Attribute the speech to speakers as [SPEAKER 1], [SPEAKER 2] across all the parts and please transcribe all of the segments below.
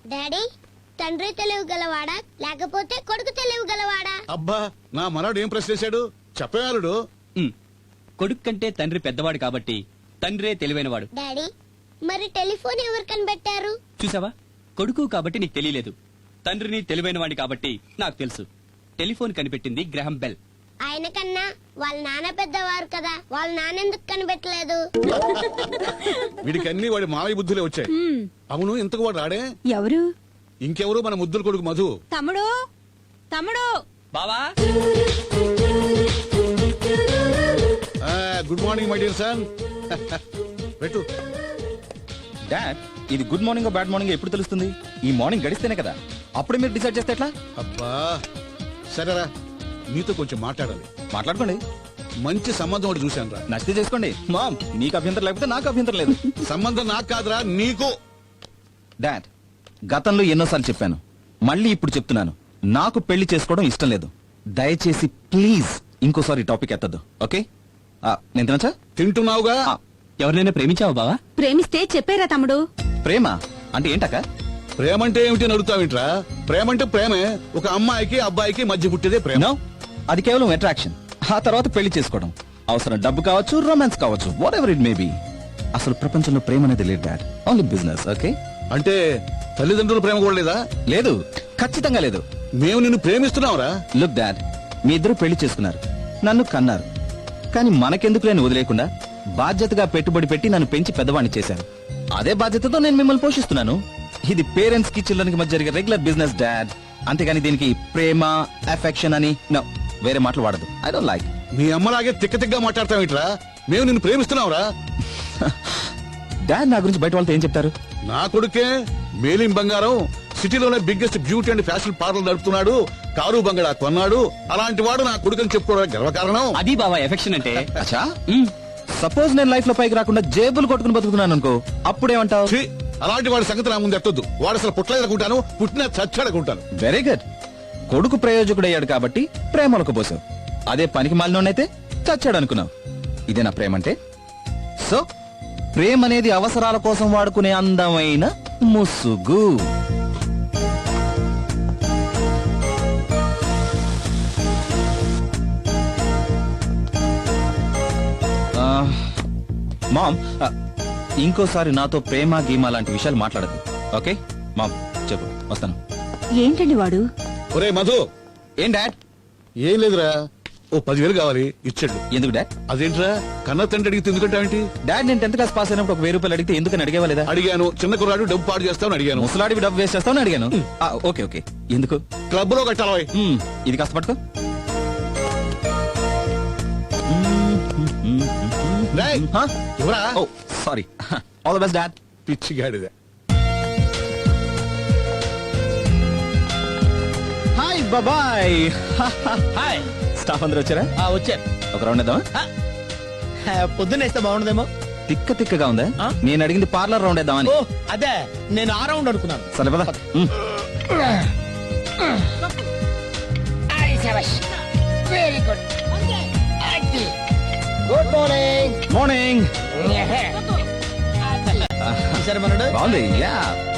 [SPEAKER 1] Daddy తండ్రి తెలివి గలవాడా లేకపోతే కొడుకు తెలివి గలవాడా?
[SPEAKER 2] అబ్బా నా మనవడు ఏం ప్రశ్న చేశాడు చెప్పేవాలుడు.
[SPEAKER 3] కొడుకు కంటే తండ్రి పెద్దవాడు కాబట్టి తండ్రే తెలివైనవాడు.
[SPEAKER 1] డాడీ మరి టెలిఫోన్ ఎవరు కనిపెట్టారు?
[SPEAKER 3] చూసావా, కొడుకు కాబట్టి నీకు తెలియలేదు, తండ్రిని తెలివైనవాడి కాబట్టి నాకు తెలుసు. టెలిఫోన్ కనిపెట్టింది గ్రహం బెల్.
[SPEAKER 1] ఆయన కన్నా వాళ్ళ నాన్న పెద్దవారు కదా, వాళ్ళ నాన్న ఎందుకు కనిపెట్టలేదు?
[SPEAKER 2] వీడికి అన్ని వాడి మావయ్య బుద్ధులే వచ్చాయి. అవును ఇంతకు వాడు రాడే?
[SPEAKER 4] ఎవరు?
[SPEAKER 2] ఇంకెవరు మన ముద్దుల కొడుకు మధు.
[SPEAKER 4] తమ్ముడు తమ్ముడు
[SPEAKER 3] బావా,
[SPEAKER 2] good morning my dear son. పెట్టు.
[SPEAKER 5] డాడ్, ఇది గుడ్ మార్నింగ్ బ్యాడ్ మార్నింగ్ ఎప్పుడు తెలుస్తుంది? ఈ మార్నింగ్ గడిస్తేనే కదా. అప్పుడే మీరు డిసైడ్ చేస్తే ఎట్లా?
[SPEAKER 2] అబ్బా సరేరా, నీతో కొంచెం మాట్లాడాలి.
[SPEAKER 5] మాట్లాడుకోండి.
[SPEAKER 2] మంచి సంబంధం ఒకటి చూశాను రా.
[SPEAKER 5] నచ్చితే చేసుకోండి. మామ్, మీకు అభ్యంతరం లేకపోతే నాకు అభ్యంతరం లేదు.
[SPEAKER 2] సంబంధం నాకు కాదురా నీకు.
[SPEAKER 5] డాడ్, గతంలో ఎన్నోసార్లు చెప్పాను, మళ్ళీ ఇప్పుడు చెప్తున్నాను, నాకు పెళ్లి చేసుకోవడం ఇష్టం లేదు. దయచేసి ప్లీజ్ ఇంకోసారి టాపిక్ ఎత్తద్దు. ఓకే? నేను తినచ్చా?
[SPEAKER 2] తింటున్నావుగా.
[SPEAKER 3] ఎవరినైనా ప్రేమించావా బావా?
[SPEAKER 4] ప్రేమిస్తే చెప్పారా తమ్ముడు?
[SPEAKER 5] ప్రేమ అంటే ఏంటక్క?
[SPEAKER 2] ప్రేమంటే ఏమిటి అని అడుగుతావేంట్రా? ప్రేమంటే ప్రేమే. ఒక అమ్మాయికి అబ్బాయికి మధ్య పుట్టేదే ప్రేమ.
[SPEAKER 5] నో, అది కేవలం అట్రాక్షన్. ఆ తర్వాత పెళ్లి చేసుకోవడం. అవసరం డబ్బు కావచ్చు, రొమాన్స్ కావచ్చు, whatever it may be. అసలు ప్రపంచంలో ప్రేమ అనేది లేదు డాడ్, ఓన్లీ బిజినెస్. ఓకే?
[SPEAKER 2] అంటే తల్లిదండ్రుల ప్రేమ కూడా లేదా?
[SPEAKER 5] లేదు, ఖచ్చితంగా లేదు.
[SPEAKER 2] మేము నిన్ను ప్రేమిస్తున్నావురా.
[SPEAKER 5] లుక్ డాడ్, మీ ఇద్దరు పెళ్లి చేసుకున్నారు, నన్ను కన్నారు, కానీ మనకెందుకు నేను వదిలేకుండా బాధ్యతగా పెట్టుబడి పెట్టి నన్ను పెంచి పెద్దవాణ్ణి చేశాను. అదే బాధ్యతతో నేను మిమ్మల్ని పోషిస్తున్నాను. ఇది పేరెంట్స్ కి చిల్డ్రన్ కి మధ్య జరిగే రెగ్యులర్ బిజినెస్ డాడ్. అంతేగాని దీనికి ప్రేమ, అఫెక్షన్ అని వేరే మాటలు వాడదు. I don't like.
[SPEAKER 2] మీ అమ్మలాగే తిక్కగా మాట్లాడతావేంట్రా? మేము నిన్ను ప్రేమిస్తున్నావురా.
[SPEAKER 5] డాడ్, నా గురించి బయట వాళ్ళతో ఏం చెప్తారు?
[SPEAKER 2] నా కొడుకే మేలిం బంగారం, సిటీలోనే biggest beauty and fashion parlour నడుపుతున్నాడు, కారు బంగళా కొన్నాడు. అలాంటి వాడు నా కొడుకుని చెప్పుకోవడానికి గర్వకారణం.
[SPEAKER 3] అది బావా ఎఫెక్షన్ అంటే.
[SPEAKER 5] అచ్చా, సపోజ్ నేను లైఫ్ లో పైకి రాకుండా జేబులు కొట్టుకుని బతుకుతున్నాను అనుకో, అప్పుడేమంటావు?
[SPEAKER 2] ఛీ, అలాంటి వాడి సంగతి నా ముందు ఎత్తొద్దు. వాడు అసలు పుట్టలేదనుకుంటాను, పుట్టిన చచ్చాడనుకుంటాను.
[SPEAKER 5] Very good. కొడుకు ప్రయోజకుడయ్యాడు కాబట్టి ప్రేమలకు పోసావు. అదే పనికి మాలినోడైతే చచ్చాడు అనుకున్నావు. ఇదే నా ప్రేమ అంటే. సో ప్రేమ అనేది అవసరాల కోసం వాడుకునే అందమైన ముసుగు. మామ్, ఇంకోసారి నాతో ప్రేమ గీమా లాంటి విషయాలు మాట్లాడదు. ఓకే మామ్, చెప్పు, వస్తాను.
[SPEAKER 4] ఏంటండి వాడు?
[SPEAKER 2] ఒరే మధు.
[SPEAKER 5] ఏం డాడ్?
[SPEAKER 2] ఏం లేదురా, ఓ 10,000 కావాలి, ఇచ్చాడు.
[SPEAKER 5] ఎందుకు డాడ్?
[SPEAKER 2] అదేంట్రా కన్న తండ్రి అడిగితే ఎందుకంటావేంటి?
[SPEAKER 5] డాడ్, నేను 10th క్లాస్ పాస్ అయినప్పుడు ఒక 1000 రూపాయలు అడిగితే ఎందుకని అడిగేవాలేదా?
[SPEAKER 2] అడిగాను. చిన్న కుర్రాడు డబ్బు పాడు చేస్తావని అడిగాను.
[SPEAKER 5] ముసలాడివి డబ్బు వేస్ట్ చేస్తావని అడిగాను. ఓకే ఓకే, ఎందుకు?
[SPEAKER 2] క్లబ్ లో కట్టాలి.
[SPEAKER 5] ఇది కాస్త పట్టుకో.
[SPEAKER 2] ఎవరా?
[SPEAKER 5] Oh sorry. All the best dad.
[SPEAKER 2] పిచ్చిగాడిదే.
[SPEAKER 5] హాయ్ బాబాయ్.
[SPEAKER 6] హాయ్.
[SPEAKER 5] స్టాఫ్ అందరూ వచ్చారా?
[SPEAKER 6] వచ్చారు.
[SPEAKER 5] ఒక రౌండ్ వేద్దామా?
[SPEAKER 6] పొద్దున్నేస్తే బాగుండదేమో.
[SPEAKER 5] తిక్క తిక్కగా ఉందా? నేను అడిగింది పార్లర్ రౌండ్ వేద్దామని.
[SPEAKER 6] ఓ అదే, నేను ఆ రౌండ్ అనుకున్నాను.
[SPEAKER 5] సరే పద.
[SPEAKER 6] Very good. Good morning.
[SPEAKER 5] Morning.
[SPEAKER 6] సరే మనడు
[SPEAKER 5] బాగుంది. Yeah.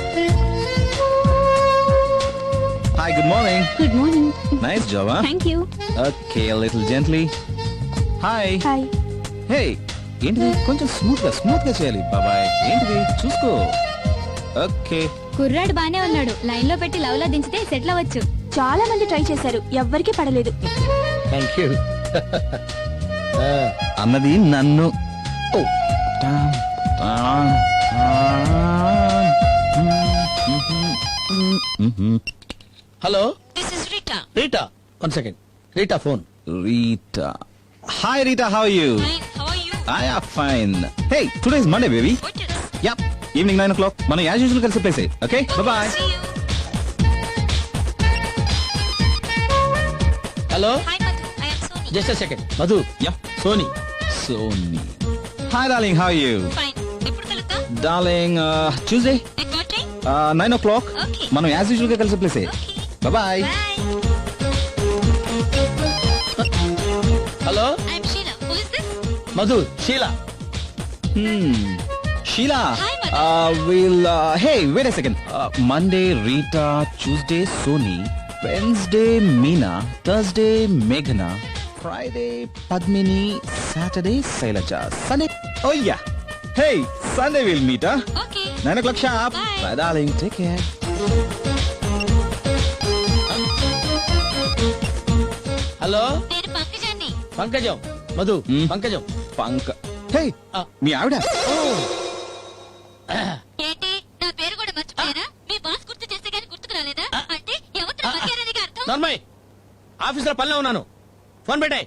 [SPEAKER 5] Hi, good morning.
[SPEAKER 4] Good morning.
[SPEAKER 5] Nice job.
[SPEAKER 4] Thank you.
[SPEAKER 5] Okay, little gently. Hi.
[SPEAKER 4] Hi.
[SPEAKER 5] Hey, ఏంటిది? కొంచెం స్మూత్ గా చేయాలి బాబాయ్. ఏంటిది? చూసుకో. ఓకే.
[SPEAKER 7] కుర్రాడు బానే ఉన్నాడు. లైన్ లో పెట్టి లవ్ లో దించితే సెటిల్ అవ్వచ్చు.
[SPEAKER 4] చాలా మంది ట్రై చేశారు, ఎవ్వరికీ పడలేదు.
[SPEAKER 6] Thank you.
[SPEAKER 5] అన్నది నన్ను.
[SPEAKER 6] Hello,
[SPEAKER 7] this is Rita.
[SPEAKER 6] Rita. 1 second. Rita phone.
[SPEAKER 5] Rita. Hi Rita, how are you?
[SPEAKER 7] Fine, how are you?
[SPEAKER 5] I am fine. Hey, today is Monday, baby.
[SPEAKER 7] What is?
[SPEAKER 5] Yep. Evening 9 o'clock. మనం as usual కలిసి place. Okay? Bye-bye.
[SPEAKER 7] See you.
[SPEAKER 6] Hello,
[SPEAKER 7] Hi Madhu, I am Sony.
[SPEAKER 6] Just a second. Madhu.
[SPEAKER 5] Yeah.
[SPEAKER 6] Sony.
[SPEAKER 5] Sony. Hi darling, how are you?
[SPEAKER 7] Fine. ఎప్పుడు కలుద్దాం?
[SPEAKER 5] Darling, Tuesday,
[SPEAKER 7] At what time?
[SPEAKER 5] 9 o'clock.
[SPEAKER 7] Okay.
[SPEAKER 5] మనం as usual గా కలిసి place.
[SPEAKER 7] Okay.
[SPEAKER 5] Bye-bye.
[SPEAKER 7] Bye.
[SPEAKER 6] Hello,
[SPEAKER 7] I am Sheila. Who is this?
[SPEAKER 6] Madhu. Sheila.
[SPEAKER 5] Sheila.
[SPEAKER 7] Hi Madhu.
[SPEAKER 5] Hey, wait a second. Monday, Rita. Tuesday, Sony. Wednesday, Meena. Thursday, Meghna. Friday, Padmini. Saturday, Sailaja. Sunday. Oh yeah. Hey, Sunday we'll meet, huh?
[SPEAKER 7] Okay.
[SPEAKER 5] 9 o'clock sharp.
[SPEAKER 7] Bye.
[SPEAKER 5] Bye, darling. Take care.
[SPEAKER 6] Hello
[SPEAKER 7] నేను పంకజాన్ని.
[SPEAKER 6] పంకజం Madhu
[SPEAKER 5] Hmm?
[SPEAKER 6] పంకజం
[SPEAKER 5] పంక. Hey, మీ ఆవిడ.
[SPEAKER 7] ఏంటి నా పేరు కూడా మర్చిపోయారా? మీ boss గుర్తు చేస్తే గానీ గుర్తుకు రాలేదా? అంటే ఎవరితో మర్యాదని అర్థం?
[SPEAKER 6] నార్మల్ ఆఫీస్ లో పనిలో ఉన్నాను. ఫోన్ పెట్టాయి.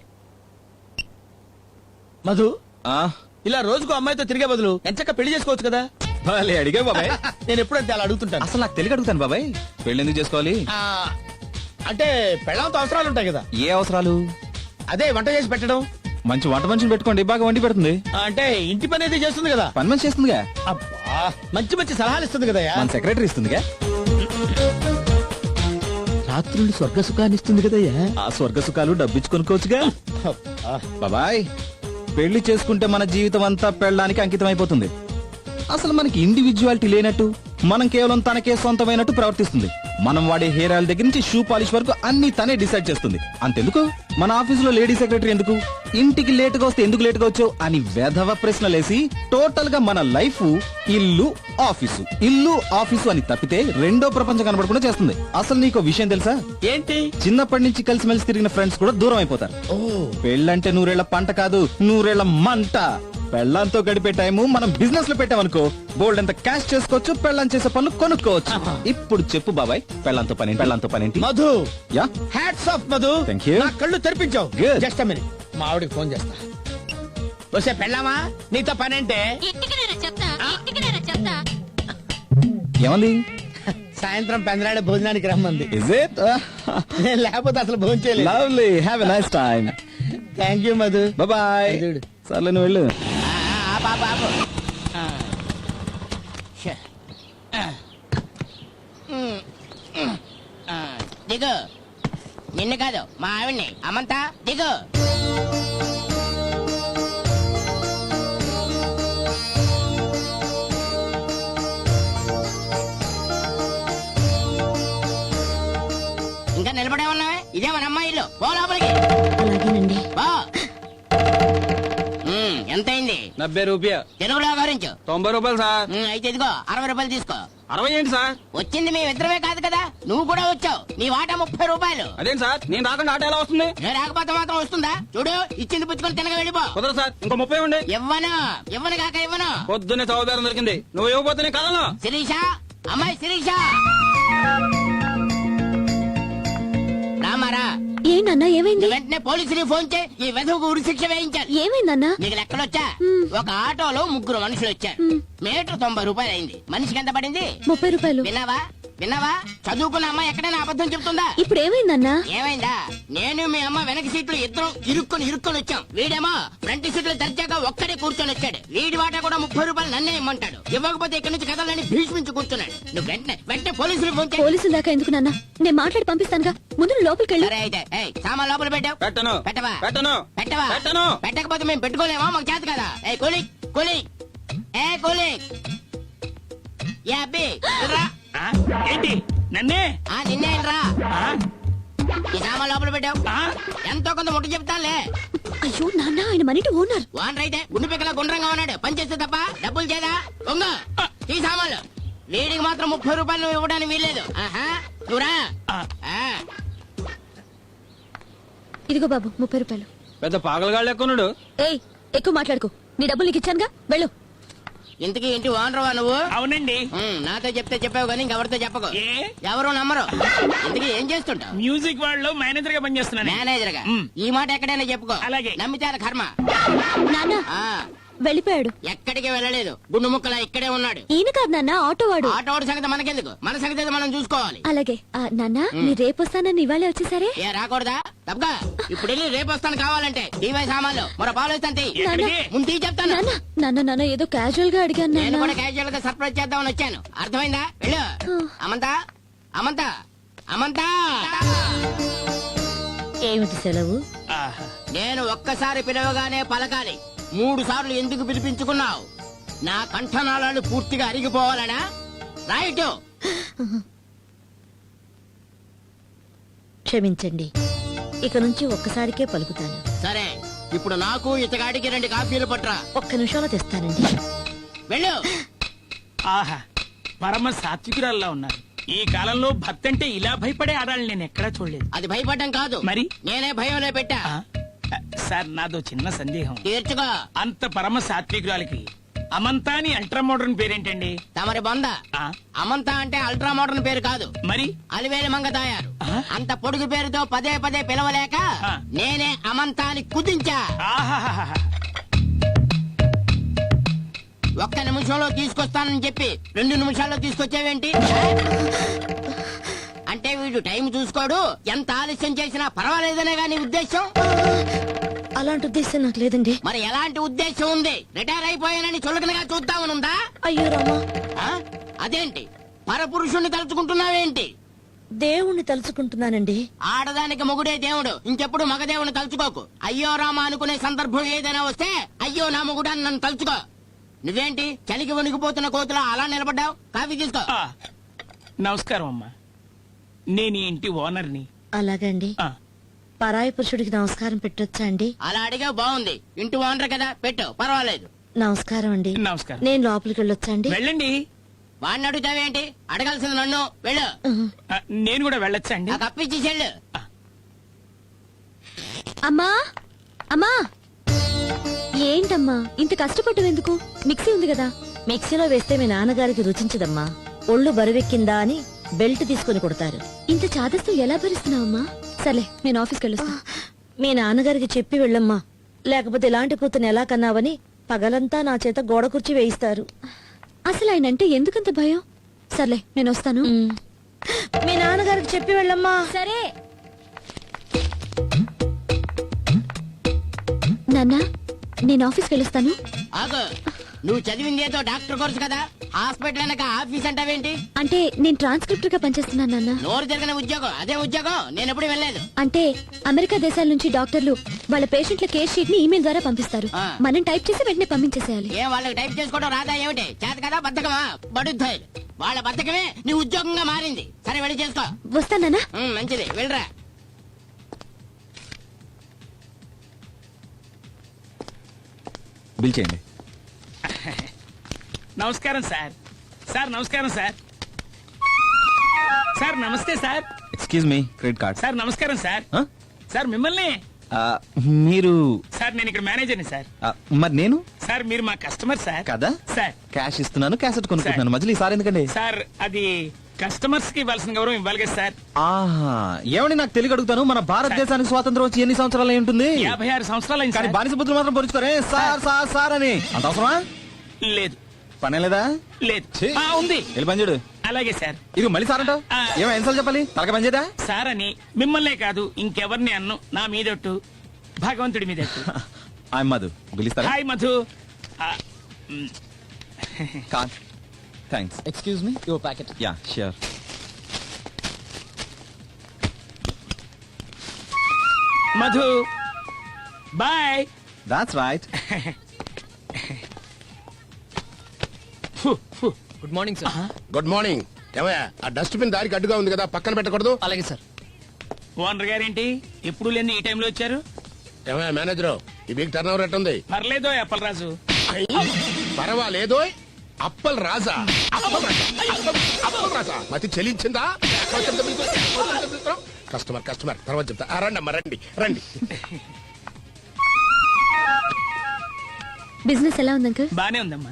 [SPEAKER 6] మధు
[SPEAKER 5] Ah,
[SPEAKER 6] ఇలా రోజుకు అమ్మాయితో తిరిగే బదులు ఎంచక్క పెళ్లి చేసుకోవచ్చు కదా.
[SPEAKER 5] భలే అడిగా బాబాయ్.
[SPEAKER 6] నేను ఎప్పుడంతే అలా అడుగుతుంటాను.
[SPEAKER 5] అసలు నాకు తెలియక అడుగుతాను బాబాయ్. పెళ్లి ఎందుకు చేసుకోవాలి?
[SPEAKER 6] ఆ, అంటే పెళ్ళంతో అవసరాలు ఉంటాయి కదా.
[SPEAKER 5] ఏ అవసరాలు?
[SPEAKER 6] అదే వంట చేసి పెట్టడం.
[SPEAKER 5] మంచి వంట మనిషిని పెట్టుకోండి, బాగా వండి పెడుతుంది.
[SPEAKER 6] అంటే ఇంటి పని అయితే చేస్తుంది కదా.
[SPEAKER 5] పని మనిషి చేస్తుందిగా.
[SPEAKER 6] అబ్బా మంచి మంచి సలహాలు ఇస్తుంది కదా.
[SPEAKER 5] మన సెక్రటరీ ఇస్తుందిగా.
[SPEAKER 6] రాత్రులు స్వర్గ సుఖాన్ని ఇస్తుంది కదయ్యా.
[SPEAKER 5] ఆ స్వర్గ సుఖాలు డబ్బిచ్చి కొనుక్కోవచ్చుగా.
[SPEAKER 6] అబ్బా.
[SPEAKER 5] బాబాయ్, పెళ్లి చేసుకుంటే మన జీవితం అంతా పెళ్ళడానికి అంకితం అయిపోతుంది. అసలు మనకి ఇండివిజువాలిటీ లేనట్టు, మనం కేవలం తనకే సొంతమైనట్టు ప్రవర్తిస్తుంది. మనం వాడే హెయిర్ ఆయిల్ దగ్గర నుంచి షూ పాలిష్ వరకు అన్ని తనే డిసైడ్ చేస్తుంది. అంతెందుకు, మన ఆఫీసులో లేడీ సెక్రటరీ ఎందుకు, ఇంటికి లేటుగా వస్తే ఎందుకు లేటుగా వచ్చావు అని వెధవ ప్రశ్నలేసి టోటల్ గా మన లైఫ్ ఇల్లు ఆఫీసు ఇల్లు ఆఫీసు అని తప్పితే రెండో ప్రపంచం కనబడకుండా చేస్తుంది. అసలు నీకు విషయం తెలుసా?
[SPEAKER 6] ఏంటి?
[SPEAKER 5] చిన్నప్పటి నుంచి కలిసిమెలిసి తిరిగిన ఫ్రెండ్స్ కూడా దూరం అయిపోతారు.
[SPEAKER 6] ఓ
[SPEAKER 5] పెళ్ళంటే 100 ఏళ్ల పంట కాదు, 100 ఏళ్ల మంట. పెళ్ళంతో గడిపే టైము మనం బిజినెస్ లో పెట్టామనుకో, బోల్డ్ ఎంత క్యాష్ చేసుకోవచ్చు, పెళ్ళం చేసే పనులు కొనుక్కోవచ్చు. ఇప్పుడు చెప్పు బాబాయ్, పెళ్ళంతో పనేంటి?
[SPEAKER 6] Madhu
[SPEAKER 5] yeah,
[SPEAKER 6] hats off Madhu.
[SPEAKER 5] Thank you.
[SPEAKER 6] నా కళ్ళు తెరిపించావు.
[SPEAKER 5] Good.
[SPEAKER 6] జస్ట్ మినిట్, మా ఆవిడకి ఫోన్ చేస్తా. వస్తే పెళ్ళామా నీతో పనేంటే?
[SPEAKER 7] ఇంటికి నేనే చెప్తా. ఇంటికి నేనే చెప్తా.
[SPEAKER 5] ఏమంది?
[SPEAKER 6] సాయంత్రం పెందరాడే భోజనానికి రమ్మంది.
[SPEAKER 5] Is it?
[SPEAKER 6] నేను లేకపోతే అసలు భోజనం చేయలేదు.
[SPEAKER 5] Lovely, have a nice time.
[SPEAKER 6] Thank you Madhu.
[SPEAKER 5] Bye.
[SPEAKER 6] చూడు.
[SPEAKER 5] సర్లే, నువ్వు వెళ్ళు.
[SPEAKER 8] దిగు. నిన్ను కాదు, మా ఆవిడ్ని. అమంతా దిగు. ఇంకా నిలబడే ఉన్నావే? ఇదే మన అమ్మాయి ఇల్లు. పో లోపలికి.
[SPEAKER 1] అలాగేనండి.
[SPEAKER 8] పో. ఎంతైంది?
[SPEAKER 3] 70 రూపాయ.
[SPEAKER 8] తెలుగులో వివరించు.
[SPEAKER 3] 90 రూపాయలు సార్.
[SPEAKER 8] అయితే ఇదిగో 60 రూపాయలు తీసుకో.
[SPEAKER 3] 60 ఏంటి సార్?
[SPEAKER 8] వచ్చింది మేమిద్దరమే కాదు కదా, నువ్వు కూడా వచ్చావు. నీ వాటా 30 రూపాయలు.
[SPEAKER 3] అదేంటి సార్, నేను రాకుండా ఆట ఎలా వస్తుంది?
[SPEAKER 8] నేను రాకపోతే మాత్రం వస్తుందా? చూడు, ఇచ్చింది పుచ్చుకొని తినగా వెళ్ళిపో.
[SPEAKER 3] కుదరదు సార్, ఇంకో 30 ఇవ్వండి.
[SPEAKER 8] ఇవ్వను కాక ఇవ్వను.
[SPEAKER 3] పొద్దున్నే చౌదారం దొరికింది, నువ్వు ఇవ్వకపోతే నేను కదలను.
[SPEAKER 8] శిరీష, అమ్మాయి శిరీష, రామారా.
[SPEAKER 4] ఏంటన్నా ఏమైంది?
[SPEAKER 8] వెంటనే పోలీసుని ఫోన్ చేయి. ఈ వెధవకు ఉరి శిక్ష వేయించాలి.
[SPEAKER 4] ఏమైందన్నా?
[SPEAKER 8] నీకు లెక్కలొచ్చా? ఒక ఆటోలో 3 మనుషులు వచ్చారు. మీటర్ 90 రూపాయలు అయింది. మనిషికి ఎంత పడింది?
[SPEAKER 4] 30 రూపాయలు.
[SPEAKER 8] విన్నావా? చదువుకున్న అమ్మ ఎక్కడైనా అబద్ధం చెప్తుందా?
[SPEAKER 4] ఇప్పుడు ఏమైందన్నా?
[SPEAKER 8] ఏమైందా? నేను మీ అమ్మ వెనక సీట్లు ఇద్దరం ఇరుక్కొని వచ్చాం. వీడేమో ఫ్రంట్ సీట్లు దర్జాగా ఒక్కడే కూర్చొని వచ్చాడు. వీడి వాటా కూడా 30 రూపాయలు నన్నే ఇమ్మంటాడు. ఇవ్వకపోతే ఇక్కడి నుంచి కదలని భీష్మించి కూర్చున్నాడు. నువ్వు వెంటనే పోలీసులు ఫోన్ చేయి.
[SPEAKER 4] పోలీసుల దాకా ఎందుకు నాన్న? నేను మాట్లాడి పంపిస్తానుగా. ముందు నువ్వు లోపలికి వెళ్ళు.
[SPEAKER 8] సరే అయితే, సామాన్ లోపల పెట్టావు.
[SPEAKER 3] పెట్టను.
[SPEAKER 8] పెట్టవా?
[SPEAKER 3] పెట్టను.
[SPEAKER 8] పెట్టవా?
[SPEAKER 3] పెట్టను.
[SPEAKER 8] పెట్టకపోతే మేము పెట్టుకోలేమా? మాకు చేత కదా. కూలి కూలి కూలి. ఏ అబ్బి రా.
[SPEAKER 6] ఏంటి నన్నే?
[SPEAKER 8] నిన్నేంట్రా? ఈ సామాన్ లోపల పెట్టావు. ఎంతో కొంత ముట్టు చెప్తానులే.
[SPEAKER 4] అయ్యో నాన్న, ఆయన మనిటి ఓనర్.
[SPEAKER 8] వాన్ రైతే గుండు పిక్కల గుండ్రంగా ఉన్నాడు. పని చేస్తే తప్ప డబ్బులు చేదా? దొంగ. ఈ సామాన్లు వీడికి మాత్రం 30 రూపాయలు నువ్వు ఇవ్వడానికి వీల్లేదు. నువ్వురా.
[SPEAKER 4] ఇదిగో బాబు 30 రూపాయలు.
[SPEAKER 3] పెద్ద పాగలగాళ్ళు ఎక్కున్నాడు.
[SPEAKER 4] ఏయ్, ఎక్కువ మాట్లాడుకో. నీ డబ్బులు నీకు ఇచ్చానుగా, వెళ్ళు.
[SPEAKER 8] ఇంతకీ ఇంటి ఓనర్వా నువ్వు?
[SPEAKER 6] అవునండి.
[SPEAKER 8] నాతో చెప్తే చెప్పావు కానీ ఇంకెవరితో చెప్పకు.
[SPEAKER 6] ఏ?
[SPEAKER 8] ఎవరు నమ్మరు. ఇంతకీ ఏం చేస్తుంటావు?
[SPEAKER 6] మ్యూజిక్ వాళ్ళు మేనేజర్ గా పనిచేస్తున్నాను.
[SPEAKER 8] మేనేజర్ గా. ఈ మాట ఎక్కడైనా చెప్పుకో.
[SPEAKER 6] అలాగే.
[SPEAKER 8] నమ్మితే అది కర్మ.
[SPEAKER 4] నాన్న
[SPEAKER 8] ఆ,
[SPEAKER 4] వెళ్ళిపోయాడు.
[SPEAKER 8] ఎక్కడికి వెళ్ళలేదు. గుండు ముక్కలా ఇక్కడే ఉన్నాడు.
[SPEAKER 4] ఈయన కాదు నాన్న, ఆటో వాడు.
[SPEAKER 8] ఆటోడి సంగతి మనకెందుకు, మన సంగతి అయితే మనం చూసుకోవాలి.
[SPEAKER 4] అలాగే. నాన్న, మీరు రేపు వస్తానని ఇవాళే వచ్చేసారే.
[SPEAKER 8] ఏ రాకూడదా? తప్పగా ఇప్పుడు వెళ్ళి రేపు వస్తాను కావాలంటే. టీవై సామాన్లు మరో పాలు వస్తాను.
[SPEAKER 6] ఎక్కడికి?
[SPEAKER 8] ముందు తీ చెప్తాను.
[SPEAKER 4] నాన్న నాన్న నాన్న ఏదో క్యాజువల్ గా అడిగాను
[SPEAKER 8] నేను
[SPEAKER 4] నాన్న.
[SPEAKER 8] కూడా క్యాజువల్ గా సర్ప్రైజ్ చేద్దామని వచ్చాను. అర్థమైందా? వెళ్ళు. అమంతా అమంతా అమంతా.
[SPEAKER 1] ఏమిటి సెలవు?
[SPEAKER 8] నేను ఒక్కసారి పిలవగానే పలకాలి. 3 సార్లు ఎందుకు పిలిపించుకున్నావు? నా కంఠనాళాలు పూర్తిగా అరిగిపోవాలనా? రైట్.
[SPEAKER 9] క్షమించండి, ఇక నుంచి ఒక్కసారికే పలుకుతాను.
[SPEAKER 8] సరే, ఇప్పుడు నాకు ఇతగాడికి 2 కాఫీలు పట్రా.
[SPEAKER 9] ఒక్క నిమిషంలో తెస్తానండి.
[SPEAKER 8] వెళ్ళు.
[SPEAKER 6] ఆహా, పరమ సాత్వికురాల్లా ఉన్నారు. ఈ కాలంలో భక్తి అంటే ఇలా భయపడే ఆడాలని నేను ఎక్కడా చూడలేదు.
[SPEAKER 8] అది భయపడడం కాదు,
[SPEAKER 6] మరి?
[SPEAKER 8] నేనే భయంలో పెట్టా.
[SPEAKER 6] సార్, నాదో చిన్న సందేహం.
[SPEAKER 8] తీర్చుకో.
[SPEAKER 6] అంత పరమ సాత్వికురాలికి అమంతాని అల్ట్రా మోడర్న్ పేరేంటండి?
[SPEAKER 8] తమరి బొంద.
[SPEAKER 6] ఆ,
[SPEAKER 8] అమంత అంటే అల్ట్రా మోడర్న్ పేరు కాదు,
[SPEAKER 6] మరి
[SPEAKER 8] అలివేలి మంగ తాయారు.
[SPEAKER 6] ఆ?
[SPEAKER 8] అంత పొడుగు పేరుతో పదే పదే పిలవలేక
[SPEAKER 6] ఆ.
[SPEAKER 8] నేనే అమంతాని కుదించా.
[SPEAKER 6] ఆహాహాహా.
[SPEAKER 8] ఒక్క నిమిషంలో తీసుకొస్తానని చెప్పి 2 నిమిషాల్లో తీసుకొచ్చావేంటి? అంటే వీడు టైం చూసుకోడు, ఎంత ఆలస్యం చేసినా పర్వాలేదనే గాని ఉద్దేశం?
[SPEAKER 9] అలాంటి ఉద్దేశం నాకు లేదండి.
[SPEAKER 8] మరి ఎలాంటి ఉద్దేశం ఉంది? రిటైర్ అయిపోయానని చులకనగా చూద్దామనుందా?
[SPEAKER 9] అయ్యో రామా,
[SPEAKER 8] ఆ? అదేంటి పరపురుషుణ్ణి తలుచుకుంటున్నావేంటి?
[SPEAKER 9] దేవుణ్ణి తలుచుకుంటున్నానండి.
[SPEAKER 8] ఆడదానికి మొగుడే దేవుడు, ఇంకెప్పుడు మగదేవుని తలుచుకోకు. అయ్యో రామ అనుకునే సందర్భం ఏదైనా వస్తే అయ్యో నా మొగుడాన్ని నన్ను తలుచుకో. నువ్వేంటి చలికి వణికిపోతున్న కోతులా అలా నిలబడ్డావు? కాఫీ తీసుకో.
[SPEAKER 6] ఆ, నమస్కారం అమ్మా, నేను ఈ ఇంటి ఓనర్ని.
[SPEAKER 9] అలాగండి.
[SPEAKER 6] ఆ,
[SPEAKER 9] పరాయి పురుషుడికి నమస్కారం పెట్టొచ్చా అండి?
[SPEAKER 8] అలా అడిగా బాగుంది, ఇంటి ఓనర్ కదా, పెట్టు పర్వాలేదు.
[SPEAKER 9] నమస్కారం అండి.
[SPEAKER 6] నమస్కారం.
[SPEAKER 9] నేను లోపలికి వెళ్ళొచ్చా అండి?
[SPEAKER 6] వెళ్ళండి.
[SPEAKER 8] వాడిని అడుగుతావేంటి? అడగాల్సింది నన్ను. వెళ్ళు.
[SPEAKER 6] ఆ, నేను కూడా వెళ్ళొచ్చా అండి?
[SPEAKER 8] ఆ కప్పిచ్చి చెల్లు.
[SPEAKER 4] అమ్మా అమ్మా, ఏంటమ్మా ఇంత కష్టపడ్డం ఎందుకు? మిక్సీ ఉంది కదా.
[SPEAKER 9] మిక్సీలో వేస్తే మీ నాన్నగారికి రుచించదమ్మా. ఒళ్ళు బరువెక్కిందా అని బెల్ట్ తీసుకుని కొడతారు.
[SPEAKER 4] ఇంత చాదస్తూ ఎలా భరిస్తున్నావమ్మా? సర్లే, నేను ఆఫీస్కి వెళ్ళొస్తా.
[SPEAKER 9] మీ నాన్నగారికి చెప్పి వెళ్ళమ్మా, లేకపోతే ఇలాంటి కూతుని ఎలా కన్నావని పగలంతా నా చేత గోడ కుర్చీ వేయిస్తారు.
[SPEAKER 4] అసలు ఆయన అంటే ఎందుకంత భయం? సర్లే, నేను వస్తాను.
[SPEAKER 9] మీ నాన్నగారికి చెప్పి వెళ్ళమ్మా.
[SPEAKER 4] సరే నాన్న, నేను ఆఫీస్కి వెళ్ళొస్తాను.
[SPEAKER 8] ఆగు, నువ్వు చదివింది ఏదో డాక్టర్ కోర్సు కదా, హాస్పిటల్ అనక ఆఫీస్ అంటావేంటి?
[SPEAKER 4] అంటే నేను ట్రాన్స్క్రిప్టర్ గా పనిచేస్తున్నాను నాన్న.
[SPEAKER 8] నోరు జరిగిన ఉద్యోగం, అదే ఉద్యోగం. నేను ఎప్పుడు వెళ్ళలేదు.
[SPEAKER 4] అంటే అమెరికా దేశాల నుంచి డాక్టర్లు వాళ్ళ పేషెంట్ల కేర్ షీట్ ని ఈమెయిల్ ద్వారా పంపిస్తారు.
[SPEAKER 8] ఆ.
[SPEAKER 4] మనం టైప్ చేసి వెంటనే పంపించేసేయాలి.
[SPEAKER 8] ఏం వాళ్ళకి టైప్ చేసుకోవడం రాదా ఏమిటి? చేత కదా బద్దకమా? బడుద్దాయి. వాళ్ళ బద్దకమే నీ ఉద్యోగంగా మారింది. సరే వెళ్ళి చేసుకో.
[SPEAKER 4] వస్తానా?
[SPEAKER 8] మంచిది, వెళ్ళరా.
[SPEAKER 5] బిల్ చేయండి.
[SPEAKER 6] నమస్కారం సార్. సార్ నమస్కారం సార్. సార్ నమస్తే sir.
[SPEAKER 5] Excuse me, credit card.
[SPEAKER 6] Sir నమస్కారం సార్.
[SPEAKER 5] ఆ?
[SPEAKER 6] సార్ మిమ్మల్ని.
[SPEAKER 5] ఆ, మీరు
[SPEAKER 6] సార్ నేను ఇక్కడ మేనేజర్ని సార్.
[SPEAKER 5] ఆ, మరి నేను
[SPEAKER 6] సార్ మీరు మా కస్టమర్ సార్.
[SPEAKER 5] కదా
[SPEAKER 6] సార్.
[SPEAKER 5] క్యాష్ ఇస్తున్నాను, క్యాసెట్ కొనుక్కుంటున్నాను. మధ్యలో ఈసారి ఎందుకండి?
[SPEAKER 6] సార్ అది కస్టమర్స్ కి ఇవ్వాల్సిన గౌరవం ఇవ్వాలి కదా సార్.
[SPEAKER 5] ఆహా, ఏమండి నాకు తెలియ అడుగుతాను, మన భారతదేశానికి స్వాతంత్రం వచ్చి ఎన్ని సంవత్సరాలు అయి ఉంటుంది?
[SPEAKER 6] 56 సంవత్సరాలు అయింది
[SPEAKER 5] కానీ
[SPEAKER 6] సార్.
[SPEAKER 5] బానిస బుద్ధులు మాత్రం పొరుచుకోరే సార్ సార్ సార్ అని. అంత అవసరమా?
[SPEAKER 6] లేదు
[SPEAKER 5] పనే లేదా?
[SPEAKER 6] లేదు.
[SPEAKER 5] ఛీ.
[SPEAKER 6] ఉంది.
[SPEAKER 5] వెళ్ళి పని చూడు.
[SPEAKER 6] అలాగే సార్.
[SPEAKER 5] ఇది మళ్ళీ సార్ అంటావు?
[SPEAKER 6] ఆ.
[SPEAKER 5] ఏమో ఎన్నిసార్లు చెప్పాలి? తలక పని చేయదా?
[SPEAKER 6] సార్ అని మిమ్మల్నే కాదు ఇంకెవరిని అన్ను. నా మీదొట్టు, భగవంతుడి మీదట్టు.
[SPEAKER 5] ఐ మధు, పిలుస్తారా?
[SPEAKER 6] హాయ్ మధు. ఆ,
[SPEAKER 5] card. Thanks.
[SPEAKER 10] Excuse me, your packet.
[SPEAKER 5] Yeah sure.
[SPEAKER 6] Madhu bye.
[SPEAKER 5] That's right.
[SPEAKER 10] Good morning, sir.
[SPEAKER 11] Good morning. ఏమయ్యా, ఆ డస్ట్బిన్ దారికి అడ్డుగా ఉంది కదా, పక్కన పెట్టకూడదు?
[SPEAKER 10] అలాగే సార్.
[SPEAKER 6] ఓనర్ గారేంటి ఎప్పుడు లేని ఈ టైంలో వచ్చారు?
[SPEAKER 11] ఏమయ్యా మేనేజరు, ఈ వీక్ టర్న్ ఓవర్ ఎట్టుంది?
[SPEAKER 6] పర్లేదో అప్పలరాజు.
[SPEAKER 11] పర్వాలేదో. అప్పల్ రాజా, అప్పల్ రాజా మతి చెల్లించిందా? కస్టమర్ కస్టమర్ తర్వాత చెప్తా. రండి అమ్మా, రండి రండి.
[SPEAKER 4] బిజినెస్ ఎలా ఉంది అంకుల్?
[SPEAKER 6] బానే ఉందమ్మా.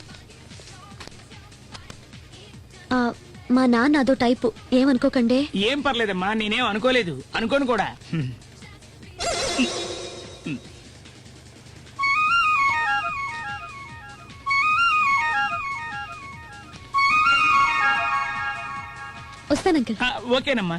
[SPEAKER 4] మా నాన్న అదో టైపు, ఏమనుకోకండి.
[SPEAKER 6] ఏం పర్లేదమ్మా, నేనేం అనుకోలేదు, అనుకోను కూడా.
[SPEAKER 4] వస్తాను అంకుల్.
[SPEAKER 6] ఓకేనమ్మా.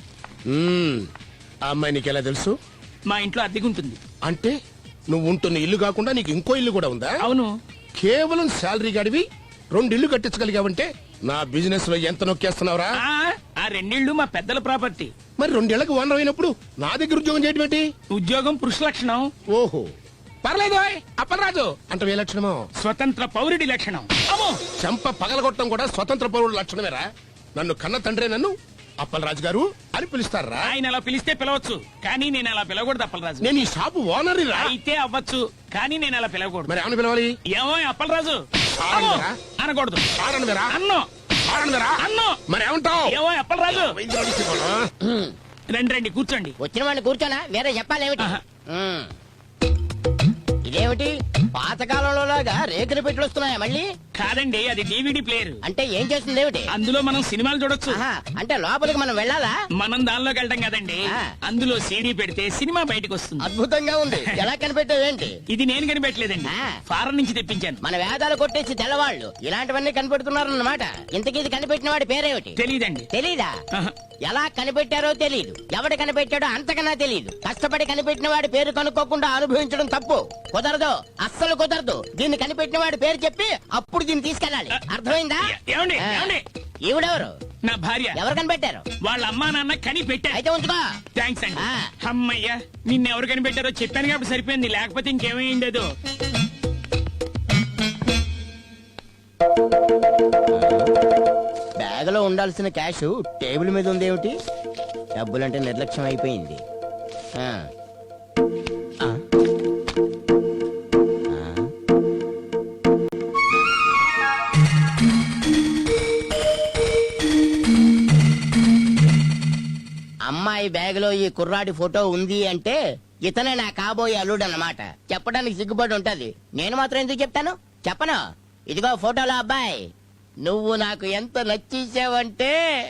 [SPEAKER 11] ఆ అమ్మాయి నీకు ఎలా తెలుసు?
[SPEAKER 6] మా ఇంట్లో అద్దెకుంటుంది.
[SPEAKER 11] అంటే నువ్వు ఉంటున్న ఇల్లు కాకుండా నీకు ఇంకో ఇల్లు కూడా ఉందా?
[SPEAKER 6] అవును.
[SPEAKER 11] కేవలం శాలరీ గడివి 2 ఇల్లు కట్టించగలిగావంటే నా బిజినెస్ లో ఎంత నొక్కేస్తున్నావురా?
[SPEAKER 6] ఆ 2 ఇళ్ళు మా పెద్దల ప్రాపర్టీ.
[SPEAKER 11] మరి 2 ఏళ్లకు ఓనర్ అయినప్పుడు నా దగ్గర ఉద్యోగం చేయడం ఏంటి?
[SPEAKER 6] ఉద్యోగం పురుష లక్షణం.
[SPEAKER 11] ఓహో, పర్లేదు ఓయ్, అప్పలరాజు అంటే ఏ లక్షణమో
[SPEAKER 6] స్వతంత్ర పౌరుడి లక్షణం. అమ్మో
[SPEAKER 11] చెంప పగలగొట్టడం కూడా స్వతంత్ర పౌరుడు లక్షణమేరా. నన్ను కన్న తండ్రే నన్ను అప్పలరాజు గారు అని పిలుస్తారా?
[SPEAKER 6] ఆయన అలా పిలిస్తే పిలవచ్చు, కానీ నేను అలా పిలవకూడదు అప్పలరాజు.
[SPEAKER 11] నేను ఈ షాపు ఓనర్ రా.
[SPEAKER 6] అయితే అవ్వచ్చు, కానీ నేను అలా పిలవకూడదు.
[SPEAKER 11] మరి ఏమని పిలవాలి?
[SPEAKER 6] ఏమో అప్పలరాజు
[SPEAKER 11] సారని
[SPEAKER 6] అమ్మో,
[SPEAKER 11] వేరా?
[SPEAKER 6] అనకూడదు.
[SPEAKER 11] సారని వేరా?
[SPEAKER 6] అన్నో
[SPEAKER 11] సారని వేరా?
[SPEAKER 6] అన్నో
[SPEAKER 11] మరి ఏమంటావు?
[SPEAKER 6] ఏమో అప్పలరాజు. రండి రండి కూర్చోండి.
[SPEAKER 8] వచ్చిన వాడిని కూర్చోనా వేరే చెప్పాలేమిటి?
[SPEAKER 6] ఆహా.
[SPEAKER 8] ఉమ్. ఇదేమిటి పాతకాలంలో లాగా రేకులు పెట్టులు వస్తున్నాయా మళ్ళీ?
[SPEAKER 6] కాదండి, అది డివిడి ప్లేయర్.
[SPEAKER 8] అంటే ఏం చేస్తుంది ఏమిటి?
[SPEAKER 6] అందులో మనం సినిమాలు చూడొచ్చు.
[SPEAKER 8] ఆహా, అంటే లోపలికి మనం వెళ్ళాలా?
[SPEAKER 6] మనం దానిలోకి వెళ్తాం కదండి.
[SPEAKER 8] ఆ.
[SPEAKER 6] అందులో సీడీ పెడితే సినిమా బయటకు వస్తుంది.
[SPEAKER 8] అద్భుతంగా ఉంది. ఎలా కనిపెట్టావేంటి?
[SPEAKER 6] ఇది నేను కనిపెట్టలేదండి,
[SPEAKER 8] ఆ.
[SPEAKER 6] ఫారెన్ నుంచి తెప్పించాను.
[SPEAKER 8] మన వేదాలు కొట్టేసి తెల్లవాళ్ళు ఇలాంటివన్నీ కనిపెడుతున్నారన్నమాట. ఇంతకీ ఇది కనిపెట్టిన వాడి పేరేమిటి?
[SPEAKER 6] తెలీదండి.
[SPEAKER 8] తెలీదా?
[SPEAKER 6] ఆహా.
[SPEAKER 8] ఎలా కనిపెట్టారో తెలీదు, ఎవడు కనిపెట్టాడో అంతకన్నా తెలీదు. కష్టపడి కనిపెట్టిన వాడి పేరు కనుక్కోకుండా అనుభవించడం తప్పు. కుదరదు, అస్సలు కుదరదు. దీన్ని కనిపెట్టిన వాడి పేరు చెప్పి అప్పుడు దీన్ని తీసుకెళ్ళాలి. అర్థమైందా?
[SPEAKER 6] ఏమండి
[SPEAKER 8] ఆ.
[SPEAKER 6] ఏమండి,
[SPEAKER 8] ఈవిడెవరు?
[SPEAKER 6] నా భార్య.
[SPEAKER 8] ఎవరు కనిపెట్టారు?
[SPEAKER 6] వాళ్ళ అమ్మా నాన్న కనిపెట్టారు.
[SPEAKER 8] అయితే ఉంచుకో.
[SPEAKER 6] థ్యాంక్స్ అండి.
[SPEAKER 8] ఆ.
[SPEAKER 6] అమ్మయ్యా, నిన్నెవరు కనిపెట్టారో చెప్పాను కాబట్టి సరిపోయింది, లేకపోతే ఇంకేమైండేదో.
[SPEAKER 8] బ్యాగ్ లో ఉండాల్సిన క్యాష్ టేబుల్ మీద ఉంది ఏమిటి? డబ్బులంటే నిర్లక్ష్యం అయిపోయింది. ఆ. ఆ. ఆ. అమ్మాయి బ్యాగ్ లో ఈ కుర్రాడి ఫోటో ఉంది అంటే ఇతనే నా కాబోయే అల్లుడు అన్నమాట. చెప్పడానికి సిగ్గుపడి ఉంటది, నేను మాత్రం ఎందుకు చెప్తాను? చెప్పను. ఇదిగో ఫోటోలో అబ్బాయి, నువ్వు నాకు ఎంత నచ్చేసావంటే